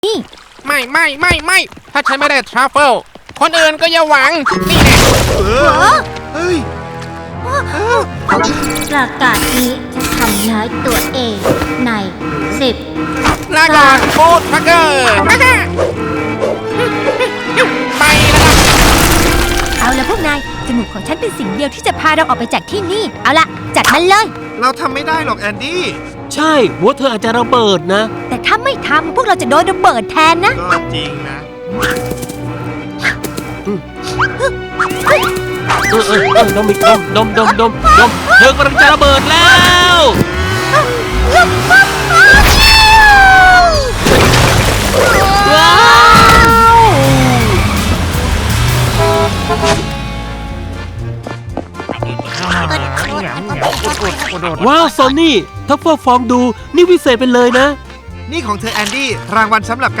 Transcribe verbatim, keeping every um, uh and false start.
นี่ไม่ไม่ไม่ไม่ถ้าฉันไม่ได้ทรัฟเฟิลคนอื่นก็อย่าหวังนี่แหละเออเฮ้ยประกาศนี้จะทำร้ายตัวเองในสิบลาก่อนฟูดทักเกอร์ไปแล้วล่ะเอาละพวกนายจมูกของฉันเป็นสิ่งเดียวที่จะพาเราออกไปจากที่นี่เอาละจัดมันเลยเราทำไม่ได้หรอกแอนดี้ใช่หัวเธออาจจะระเบิดนะแต่ถ้าไม่ทำพวกเราจะโดนระเบิดแทนนะก็จริงนะเออเออเออดมอีกดมดมดมดมดมเธอกำลังจะระเบิดแล้วว้าวว้าวซอนนี่ถ้าเฟิร์ฟองดูนี่วิเศษไปเลยนะนี่ของเธอแอนดี้รางวัลสำหรับ